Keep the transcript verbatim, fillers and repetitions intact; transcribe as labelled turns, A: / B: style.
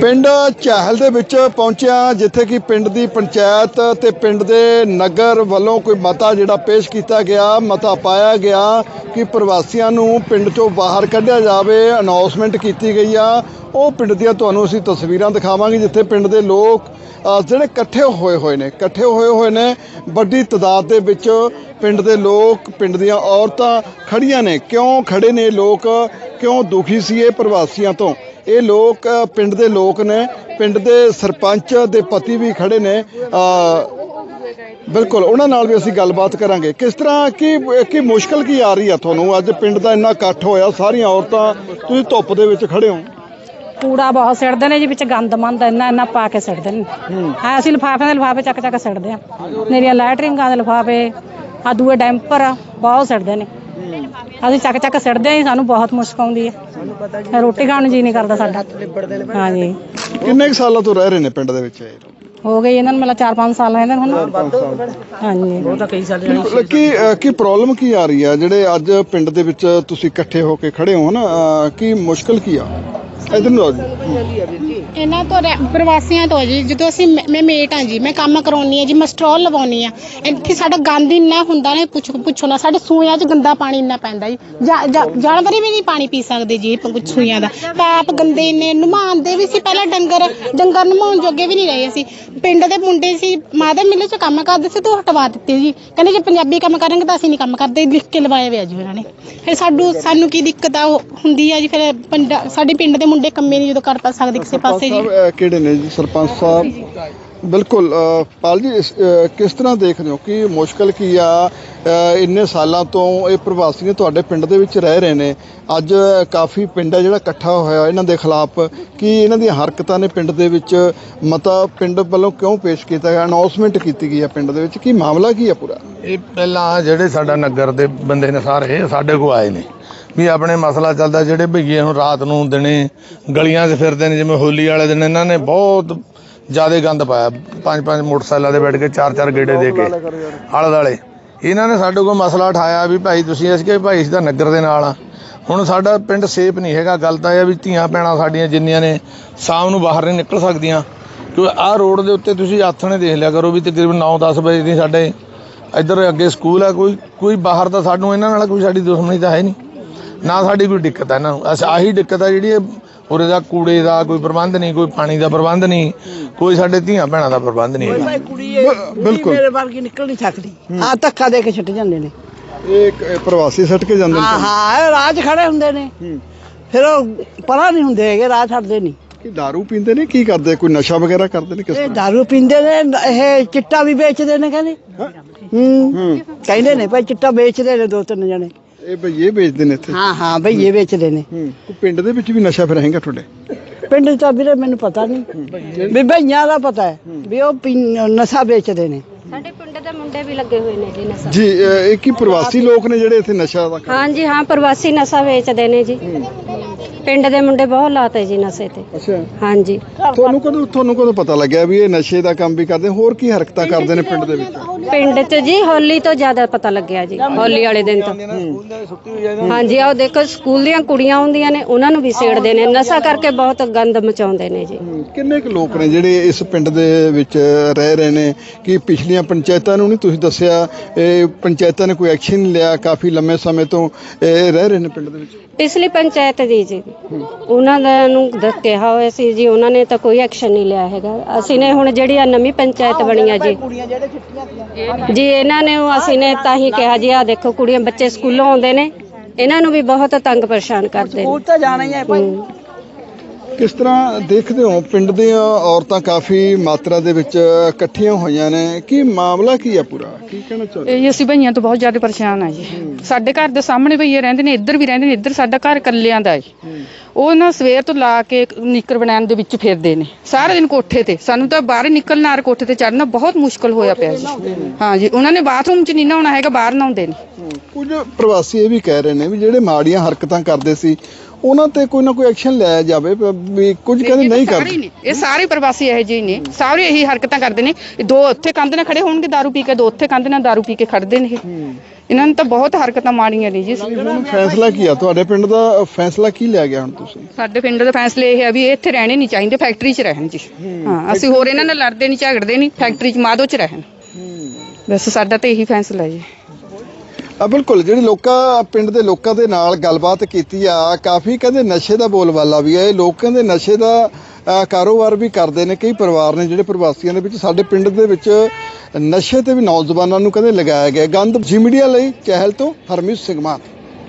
A: ਪਿੰਡ ਚਾਹਲ ਦੇ ਵਿੱਚ ਪਹੁੰਚਿਆ ਜਿੱਥੇ ਕਿ ਪਿੰਡ ਦੀ ਪੰਚਾਇਤ ਤੇ ਪਿੰਡ ਦੇ ਨਗਰ ਵੱਲੋਂ ਕੋਈ ਮਤਾ ਜਿਹੜਾ ਪੇਸ਼ ਕੀਤਾ ਗਿਆ। ਮਤਾ ਪਾਇਆ ਗਿਆ ਕਿ ਪ੍ਰਵਾਸੀਆਂ ਨੂੰ ਪਿੰਡ ਚੋਂ ਬਾਹਰ ਕੱਢਿਆ ਜਾਵੇ। ਅਨਾਉਂਸਮੈਂਟ ਕੀਤੀ ਗਈ ਆ। ਉਹ ਪਿੰਡ ਦੀਆਂ ਤੁਹਾਨੂੰ ਅਸੀਂ ਤਸਵੀਰਾਂ ਦਿਖਾਵਾਂਗੇ ਜਿੱਥੇ ਪਿੰਡ ਦੇ ਲੋਕ ਜਿਹੜੇ ਇਕੱਠੇ ਹੋਏ ਹੋਏ ਨੇ ਇਕੱਠੇ ਹੋਏ ਹੋਏ ਨੇ ਵੱਡੀ ਤਾਦਾਦ ਦੇ ਵਿੱਚ ਪਿੰਡ ਦੇ ਲੋਕ ਪਿੰਡ ਦੀਆਂ ਔਰਤਾਂ ਖੜੀਆਂ ਨੇ। ਕਿਉਂ ਖੜੇ ਨੇ ਲੋਕ, ਕਿਉਂ ਦੁਖੀ ਸੀ ਇਹ ਪ੍ਰਵਾਸੀਆਂ ਤੋਂ? ਇਹ ਲੋਕ ਪਿੰਡ ਦੇ ਲੋਕ ਨੇ, ਪਿੰਡ ਦੇ ਸਰਪੰਚ ਦੇ ਪਤੀ ਵੀ ਖੜੇ ਨੇ। ਬਿਲਕੁਲ ਉਹਨਾਂ ਨਾਲ ਵੀ ਅਸੀਂ ਗੱਲਬਾਤ ਕਰਾਂਗੇ। ਕਿਸ ਤਰ੍ਹਾਂ ਕੀ ਕੀ ਮੁਸ਼ਕਲ ਕੀ ਆ ਰਹੀ ਆ ਤੁਹਾਨੂੰ? ਅੱਜ ਪਿੰਡ ਦਾ ਇੰਨਾ ਇਕੱਠ ਹੋਇਆ, ਸਾਰੀਆਂ ਔਰਤਾਂ, ਤੁਸੀਂ ਧੁੱਪ ਦੇ ਵਿੱਚ ਖੜੇ ਹੋ।
B: ਕੂੜਾ ਬਹੁਤ ਸਿੱਟਦੇ ਨੇ ਜੀ, ਵਿੱਚ ਗੰਦ ਮੰਦ ਇੰਨਾ ਇੰਨਾ ਪਾ ਕੇ ਸਿੱਟਦੇ ਨੇ। ਹਾਂ, ਅਸੀਂ ਲਿਫਾਫਿਆਂ ਦੇ ਲਿਫਾਫੇ ਚੱਕ ਚੱਕ ਸਿੱਟਦੇ ਹਾਂ। ਮੇਰੀਆਂ ਲੈਟਰਿੰਗਾਂ ਦੇ ਲਿਫਾਫੇ, ਆ ਦੂਏ ਡੈਂਪਰ ਬਹੁਤ ਸਿੱਟਦੇ ਨੇ। ਅਸੀਂ ਚੱਕ ਚੱਕ ਸਿੱਟਦੇ ਹਾਂ। ਸਾਨੂੰ ਬਹੁਤ ਮੁਸ਼ਕ ਆਉਂਦੀ ਹੈ, ਰੋਟੀ ਖਾਣ ਨੂੰ ਜੀ ਨਹੀਂ ਕਰਦਾ ਸਾਡਾ। ਹਾਂਜੀ,
A: ਕਿੰਨੇ ਕੁ ਸਾਲਾਂ ਤੋਂ ਰਹਿ ਰਹੇ ਨੇ ਪਿੰਡ ਦੇ ਵਿੱਚ?
B: ਹੋ ਗਈ ਇਹਨਾਂ ਨੂੰ ਮਤਲਬ ਚਾਰ ਪੰਜ ਸਾਲ ਇਹਨਾਂ ਨੂੰ। ਹਾਂਜੀ, ਉਹ ਤਾਂ ਕਈ ਸਾਲ।
A: ਕੀ ਕੀ ਪ੍ਰੋਬਲਮ ਕੀ ਆ ਰਹੀ ਆ ਜਿਹੜੇ ਅੱਜ ਪਿੰਡ ਦੇ ਵਿੱਚ ਤੁਸੀਂ ਇਕੱਠੇ ਹੋ ਕੇ ਖੜੇ ਹੋ ਨਾ? ਕੀ ਮੁਸ਼ਕਲ ਕੀ ਆ? ਇਧਰ ਨੂੰ ਆ ਜੀ।
C: ਇਹਨਾਂ ਤੋਂ ਪ੍ਰਵਾਸੀਆਂ ਤੋਂ ਜੀ, ਜਦੋਂ ਅਸੀਂ ਮੈਂ ਮੇਟ ਹਾਂ ਜੀ, ਮੈਂ ਕੰਮ ਕਰਾਉਣੀ ਹਾਂ ਜੀ, ਮੈਂ ਸਟੋਲ ਲਵਾਉਣੀ ਆ। ਇੱਥੇ ਸਾਡਾ ਗੰਦ ਇੰਨਾ ਹੁੰਦਾ ਨੇ, ਪੁੱਛ ਪੁੱਛੋ ਨਾ। ਸਾਡੇ ਸੂਇਆਂ 'ਚ ਗੰਦਾ ਪਾਣੀ ਇੰਨਾ ਪੈਂਦਾ ਜੀ, ਜਾਨਵਰ ਵੀ ਨਹੀਂ ਪਾਣੀ ਪੀ ਸਕਦੇ ਜੀ ਸੂਇਆਂ ਦਾ। ਪੈਪ ਗੰਦੇ ਇੰਨੇ, ਨਮਾਉਂਦੇ ਵੀ ਸੀ ਪਹਿਲਾਂ ਡੰਗਰ ਡੰਗਰ ਨਮਾਉਣ ਜੋਗੇ ਵੀ ਨਹੀਂ ਰਹੇ ਅਸੀਂ। ਪਿੰਡ ਦੇ ਮੁੰਡੇ ਸੀ, ਮਾਦਾ ਮਿੱਲ 'ਚ ਕੰਮ ਕਰਦੇ ਸੀ, ਤੂੰ ਹਟਵਾ ਦਿੱਤੇ ਜੀ। ਕਹਿੰਦੇ ਜੇ ਪੰਜਾਬੀ ਕੰਮ ਕਰਾਂਗੇ ਤਾਂ ਅਸੀਂ ਨਹੀਂ ਕੰਮ ਕਰਦੇ, ਲਿਖ ਕੇ ਲਵਾਏ ਹੋਇਆ ਜੀ ਉਹਨਾਂ ਨੇ। ਫਿਰ ਸਾਨੂੰ ਸਾਨੂੰ ਕੀ ਦਿੱਕਤ ਆ ਹੁੰਦੀ ਆ ਜੀ। ਫਿਰ ਪਿੰਡ ਸਾਡੇ ਪਿੰਡ ਦੇ ਮੁੰਡੇ ਕੰਮੇ ਨਹੀਂ ਜਦੋਂ ਕਰ ਪਾ ਸਕਦੇ ਕਿਸੇ ਪਾਸੇ ਜੀ।
A: ਕਿਹੜੇ ਨੇ ਜੀ ਸਰਪੰਚ ਸਾਹਿਬ? ਬਿਲਕੁਲ ਪਾਲ ਜੀ, ਕਿਸ ਤਰ੍ਹਾਂ ਦੇਖਦੇ ਹੋ ਕਿ ਮੁਸ਼ਕਲ ਕੀ ਆ? ਇੰਨੇ ਸਾਲਾਂ ਤੋਂ ਇਹ ਪ੍ਰਵਾਸੀ ਤੁਹਾਡੇ ਪਿੰਡ ਦੇ ਵਿੱਚ ਰਹਿ ਰਹੇ ਨੇ। ਅੱਜ ਕਾਫੀ ਪਿੰਡ ਹੈ ਜਿਹੜਾ ਇਕੱਠਾ ਹੋਇਆ ਇਹਨਾਂ ਦੇ ਖਿਲਾਫ। ਕੀ ਇਹਨਾਂ ਦੀਆਂ ਹਰਕਤਾਂ ਨੇ ਪਿੰਡ ਦੇ ਵਿੱਚ ਮਤਾ ਪਿੰਡ ਵੱਲੋਂ ਕਿਉਂ ਪੇਸ਼ ਕੀਤਾ ਗਿਆ? ਅਨਾਉਂਸਮੈਂਟ ਕੀਤੀ ਗਈ ਹੈ ਪਿੰਡ ਦੇ ਵਿੱਚ, ਕੀ ਮਾਮਲਾ ਕੀ ਆ ਪੂਰਾ?
D: ਇਹ ਪਹਿਲਾਂ ਜਿਹੜੇ ਸਾਡਾ ਨਗਰ ਦੇ ਬੰਦੇ ਨੇ ਸਾਰੇ ਸਾਡੇ ਕੋਲ ਆਏ ਨੇ ਵੀ ਆਪਣੇ ਮਸਲਾ ਚੱਲਦਾ। ਜਿਹੜੇ ਭਈਏ ਹੁਣ ਰਾਤ ਨੂੰ ਦਿਨੇ ਗਲੀਆਂ 'ਚ ਫਿਰਦੇ ਨੇ, ਜਿਵੇਂ ਹੋਲੀ ਵਾਲੇ ਦਿਨ ਇਹਨਾਂ ਨੇ ਬਹੁਤ ਜ਼ਿਆਦਾ ਗੰਦ ਪਾਇਆ। ਪੰਜ ਪੰਜ ਮੋਟਰਸਾਈਕਲਾਂ 'ਤੇ ਬੈਠ ਕੇ ਚਾਰ ਚਾਰ ਗੇੜੇ ਦੇ ਕੇ ਆਲੇ ਦੁਆਲੇ। ਇਹਨਾਂ ਨੇ ਸਾਡੇ ਕੋਲ ਮਸਲਾ ਉਠਾਇਆ ਵੀ ਭਾਈ ਤੁਸੀਂ, ਅਸੀਂ ਕਿ ਭਾਈ ਅਸੀਂ ਤਾਂ ਨਗਰ ਦੇ ਨਾਲ ਆ। ਹੁਣ ਸਾਡਾ ਪਿੰਡ ਸੇਫ ਨਹੀਂ ਹੈਗਾ। ਗੱਲ ਤਾਂ ਇਹ ਆ ਵੀ ਧੀਆਂ ਭੈਣਾਂ ਸਾਡੀਆਂ ਜਿੰਨੀਆਂ ਨੇ ਸ਼ਾਮ ਨੂੰ ਬਾਹਰ ਨਹੀਂ ਨਿਕਲ ਸਕਦੀਆਂ, ਕਿਉਂਕਿ ਆਹ ਰੋਡ ਦੇ ਉੱਤੇ ਤੁਸੀਂ ਆਥਣੇ ਦੇਖ ਲਿਆ ਕਰੋ ਵੀ ਤਕਰੀਬਨ ਨੌ ਦਸ ਵਜੇ ਦੀ ਸਾਡੇ ਇੱਧਰ ਅੱਗੇ ਸਕੂਲ ਆ। ਕੋਈ ਕੋਈ ਬਾਹਰ ਤਾਂ ਸਾਨੂੰ ਇਹਨਾਂ ਨਾਲ ਕੋਈ ਸਾਡੀ ਦੁਸ਼ਮਣੀ ਤਾਂ ਹੈ ਨਹੀਂ, ਨਾ ਸਾਡੀ ਕੋਈ ਦਿੱਕਤ ਹੈ ਇਹਨਾਂ ਨੂੰ। ਅਸੀਂ ਆਹੀ ਦਿੱਕਤ ਆ ਜਿਹੜੀ ਉਰੇ ਦਾ ਕੂੜੇ ਦਾ ਕੋਈ ਪ੍ਰਬੰਧ ਨਹੀਂ, ਕੋਈ ਪਾਣੀ ਦਾ ਪ੍ਰਬੰਧ ਨਹੀਂ, ਕੋਈ ਸਾਡੇ ਧੀਆਂ ਭੈਣਾਂ ਦਾ ਪ੍ਰਬੰਧ ਨਹੀਂ ਹੈਗਾ।
A: ਬਿਲਕੁਲ
E: ਮੇਰੇ ਵਰਗੀ ਨਿਕਲ ਨਹੀਂ ਸਕਦੀ। ਆ ਧੱਕਾ ਦੇ ਕੇ ਛੱਡ ਜਾਂਦੇ ਨੇ
A: ਇਹ ਪ੍ਰਵਾਸੀ ਛੱਡ ਕੇ ਜਾਂਦੇ ਨੇ।
E: ਹਾਂ ਹਾਂ, ਰਾਜ ਖੜੇ ਹੁੰਦੇ ਨੇ, ਫਿਰ ਉਹ ਪਰਾਂ ਨਹੀਂ ਹੁੰਦੇ ਹੈਗੇ, ਰਾਹ ਛੱਡਦੇ ਨਹੀਂ।
A: ਕੀ ਦਾਰੂ ਪੀਂਦੇ ਨੇ? ਕੀ ਕਰਦੇ? ਕੋਈ ਨਸ਼ਾ ਵਗੈਰਾ ਕਰਦੇ ਨੇ? ਕਿਸ
E: ਇਹ
A: ਤਰ੍ਹਾਂ?
E: ਦਾਰੂ ਪੀਂਦੇ ਨੇ, ਇਹ ਚਿੱਟਾ ਵੀ ਵੇਚਦੇ ਨੇ ਕਹਿੰਦੇ। ਹੂੰ, ਕਹਿੰਦੇ ਨੇ ਭਾਈ ਚਿੱਟਾ ਵੇਚਦੇ ਨੇ ਦੋ ਤਿੰਨ ਜਣੇ।
A: ਇਹ ਭਈਏ ਵੇਚਦੇ ਨੇ ਇੱਥੇ?
E: ਹਾਂ ਹਾਂ, ਭਈਏ ਵੇਚਦੇ ਨੇ।
A: ਹੂੰ, ਪਿੰਡ ਦੇ ਵਿੱਚ ਵੀ ਨਸ਼ਾ ਫਿਰ ਹੈਗਾ ਤੁਹਾਡੇ?
E: ਪਿੰਡ ਚ ਤਾਂ ਵੀਰੇ ਮੈਨੂੰ ਪਤਾ ਨਹੀਂ, ਵੀ ਭਈਆਂ ਦਾ ਪਤਾ ਹੈ ਵੀ ਉਹ ਨਸ਼ਾ ਵੇਚਦੇ ਨੇ।
B: ਸਾਡੇ ਪਿੰਡ ਦੇ ਮੁੰਡੇ ਵੀ ਲੱਗੇ ਹੋਏ ਨੇ ਜੀ ਨਸ਼ਾ।
A: ਜੀ ਇਹ ਕੀ ਪ੍ਰਵਾਸੀ ਲੋਕ ਨੇ ਜਿਹੜੇ ਇੱਥੇ ਨਸ਼ਾ ਦਾ?
B: ਹਾਂਜੀ ਹਾਂ, ਪ੍ਰਵਾਸੀ ਨਸ਼ਾ ਵੇਚਦੇ ਨੇ ਜੀ। ਪਿੰਡ ਦੇ ਮੁੰਡੇ ਬਹੁਤ ਲਾਤੇ ਜੀ ਨਸ਼ੇ ਤੇ।
A: ਅੱਛਾ,
B: ਹਾਂਜੀ।
A: ਤੁਹਾਨੂੰ ਕਦੋਂ ਤੁਹਾਨੂੰ ਕਦੋਂ ਪਤਾ ਲੱਗਿਆ ਵੀ ਇਹ ਨਸ਼ੇ ਦਾ ਕੰਮ ਵੀ ਕਰਦੇ? ਹੋਰ ਕੀ ਹਰਕਤਾਂ ਕਰਦੇ ਨੇ ਪਿੰਡ ਦੇ ਵਿੱਚ?
B: ਪਿੰਡ 'ਚ ਜੀ ਹੋਲੀ ਤੋਂ ਜ਼ਿਆਦਾ ਪਤਾ ਲੱਗਿਆ ਜੀ, ਹੋਲੀ ਵਾਲੇ ਦਿਨ ਤੋਂ। ਹਾਂਜੀ, ਆਹ ਦੇਖੋ ਸਕੂਲ ਦੀਆਂ ਕੁੜੀਆਂ ਹੁੰਦੀਆਂ ਨੇ, ਉਹਨਾਂ ਨੂੰ ਵੀ ਛੇੜਦੇ ਨੇ, ਨਸ਼ਾ ਕਰਕੇ ਬਹੁਤ ਗੰਦ ਮਚਾਉਂਦੇ ਨੇ ਜੀ।
A: ਕਿੰਨੇ ਕੁ ਲੋਕ ਨੇ ਜਿਹੜੇ ਇਸ ਪਿੰਡ ਦੇ ਵਿੱਚ ਰਹਿ ਰਹੇ ਨੇ? ਕਿ ਪਿਛਲੀਆਂ ਪੰਚਾਇਤਾਂ ਨੂੰ ਨਹੀਂ ਤੁਸੀਂ ਦੱਸਿਆ? ਇਹ ਪੰਚਾਇਤਾਂ ਨੇ ਕੋਈ ਐਕਸ਼ਨ ਨਹੀਂ ਲਿਆ? ਕਾਫੀ ਲੰਮੇ ਸਮੇਂ ਤੋਂ ਇਹ ਰਹਿ ਰਹੇ ਨੇ ਪਿੰਡ ਦੇ ਵਿੱਚ।
B: ਪਿਛਲੀ ਪੰਚਾਇਤ ਦੀ ਜੀ, ਉਹਨਾਂ ਦਾ ਨੂੰ ਕਿਹਾ ਹੋਇਆ ਸੀ ਜੀ, ਉਹਨਾਂ ਨੇ ਤਾਂ ਕੋਈ ਐਕਸ਼ਨ ਨਹੀਂ ਲਿਆ ਹੈਗਾ। ਅਸੀਂ ਨੇ ਹੁਣ ਜਿਹੜੀ ਆ ਨਵੀਂ ਪੰਚਾਇਤ ਬਣੀ ਆ ਜੀ ਜੀ, ਇਹਨਾਂ ਨੇ ਅਸੀਂ ਨੇ ਤਾਂ ਹੀ ਕਿਹਾ ਜੀ, ਆ ਦੇਖੋ ਕੁੜੀਆਂ ਬੱਚੇ ਸਕੂਲੋਂ ਆਉਂਦੇ ਨੇ, ਇਹਨਾਂ ਨੂੰ ਵੀ ਬਹੁਤ ਤੰਗ ਪਰੇਸ਼ਾਨ ਕਰਦੇ ਨੇ।
E: ਸਕੂਲ ਤਾਂ ਜਾਣਾ ਹੀ ਹੈ ਭਾਈ।
A: ਕਿਸ ਤਰ੍ਹਾਂ ਦੇਖਦੇ ਹੋ ਪਿੰਡ ਦੀਆਂ ਔਰਤਾਂ ਕਾਫੀ ਮਾਤਰਾ ਦੇ ਵਿੱਚ ਇਕੱਠੀਆਂ ਹੋਈਆਂ ਨੇ? ਕੀ ਮਾਮਲਾ ਕੀ ਆ ਪੂਰਾ? ਕੀ ਕਹਿਣਾ ਚਾਹੁੰਦੇ?
F: ਇਹ ਅਸੀਂ ਭਈਆਂ ਤੋਂ ਬਹੁਤ ਜ਼ਿਆਦਾ ਪਰੇਸ਼ਾਨ ਆ ਜੀ। ਸਾਡੇ ਘਰ ਦੇ ਸਾਹਮਣੇ ਭਈਏ ਰਹਿੰਦੇ ਨੇ, ਇੱਧਰ ਵੀ ਰਹਿੰਦੇ ਨੇ। ਇੱਧਰ ਸਾਡਾ ਘਰ ਇਕੱਲਿਆਂ ਦਾ ਹੈ। ਉਹ ਨਾ ਸਵੇਰ ਤੋਂ ਲਾ ਕੇ ਨਿੱਕਰ ਬਣਾਉਣ ਦੇ ਵਿੱਚ ਫਿਰਦੇ ਨੇ ਸਾਰਾ ਦਿਨ ਕੋਠੇ ਤੇ। ਸਾਨੂੰ ਤਾਂ ਬਾਹਰ ਨਿਕਲਣਾ, ਕੋਠੇ ਤੇ ਚੜ੍ਹਨਾ ਬਹੁਤ ਮੁਸ਼ਕਲ ਹੋਇਆ ਪਿਆ ਜੀ। ਹਾਂ ਜੀ, ਉਹਨਾਂ ਨੇ ਬਾਥਰੂਮ 'ਚ ਨਹੀਂ ਨਹਾਉਣਾ ਹੈਗਾ, ਬਾਹਰ ਨਹਾਉਂਦੇ ਨੇ।
A: ਕੁਝ ਪ੍ਰਵਾਸੀ ਇਹ ਵੀ ਕਹਿ ਰਹੇ ਨੇ ਵੀ ਜਿਹੜੇ ਮਾੜੀਆਂ ਹਰਕਤਾਂ ਕਰਦੇ ਸੀ ਉਹਨਾਂ ਤੇ ਕੋਈ ਨਾ ਕੋਈ ਐਕਸ਼ਨ ਲਿਆ ਜਾਵੇ, ਵੀ ਕੁਝ ਕਹਿੰਦੇ ਨਹੀਂ ਕਰਦੇ।
F: ਇਹ ਸਾਰੇ ਪ੍ਰਵਾਸੀ ਇਹੋ ਜਿਹੇ ਨੇ, ਸਾਰੇ ਇਹੀ ਹਰਕਤਾਂ ਕਰਦੇ ਨੇ। ਦੋ ਉੱਥੇ ਕੰਧ ਨਾਲ ਖੜੇ ਹੋਣਗੇ ਦਾਰੂ ਪੀ ਕੇ, ਦੋ ਉੱਥੇ ਕੰਧ ਨਾਲ ਦਾਰੂ ਪੀ ਕੇ ਖੜਦੇ ਨੇ। ਇਹਨਾਂ ਨੂੰ ਤਾਂ ਬਹੁਤ ਹਰਕਤਾਂ ਮਾੜੀਆਂ ਨੇ ਜੀ।
A: ਹੁਣ ਫੈਸਲਾ ਕੀ ਆ ਤੁਹਾਡੇ ਪਿੰਡ ਦਾ? ਫੈਸਲਾ ਕੀ ਲਿਆ ਗਿਆ ਹੁਣ ਤੁਸੀਂ?
F: ਸਾਡੇ ਪਿੰਡ ਦਾ ਫੈਸਲਾ ਇਹ ਹੈ ਵੀ ਇਹ ਇੱਥੇ ਰਹਿਣੇ ਨਹੀਂ ਚਾਹੀਦੇ, ਫੈਕਟਰੀ 'ਚ ਰਹਿਣ ਜੀ। ਹਾਂ, ਅਸੀਂ ਹੋਰ ਇਹਨਾਂ ਨਾਲ ਲੜਦੇ ਨਹੀਂ ਝਗੜਦੇ ਨਹੀਂ, ਫੈਕਟਰੀ 'ਚ ਮਾਧੋ 'ਚ ਰਹਿਣ, ਬਸ ਸਾਡਾ ਤਾਂ ਇਹੀ ਫੈਸਲਾ ਜੀ।
A: ਆ ਬਿਲਕੁਲ, ਜਿਹੜੇ ਲੋਕਾਂ ਪਿੰਡ ਦੇ ਲੋਕਾਂ ਦੇ ਨਾਲ ਗੱਲਬਾਤ ਕੀਤੀ ਆ, ਕਾਫੀ ਕਹਿੰਦੇ ਨਸ਼ੇ ਦਾ ਬੋਲਬਾਲਾ ਵੀ ਹੈ। ਇਹ ਲੋਕ ਕਹਿੰਦੇ ਨਸ਼ੇ ਦਾ ਅ, ਕਾਰੋਬਾਰ ਵੀ ਕਰਦੇ ਨੇ। ਕਈ ਪਰਿਵਾਰ ਨੇ ਜਿਹੜੇ ਪ੍ਰਵਾਸੀਆਂ ਦੇ ਵਿੱਚ, ਸਾਡੇ ਪਿੰਡ ਦੇ ਵਿੱਚ ਨਸ਼ੇ ਤੇ ਵੀ ਨੌਜਵਾਨਾਂ ਨੂੰ ਕਹਿੰਦੇ ਲਗਾਇਆ ਗਿਆ ਗੰਦ। ਜੀ ਮੀਡੀਆ ਲਈ ਚਹਿਲ ਤੋਂ ਹਰਮੀਤ ਸਿੰਘ ਮਾਨ।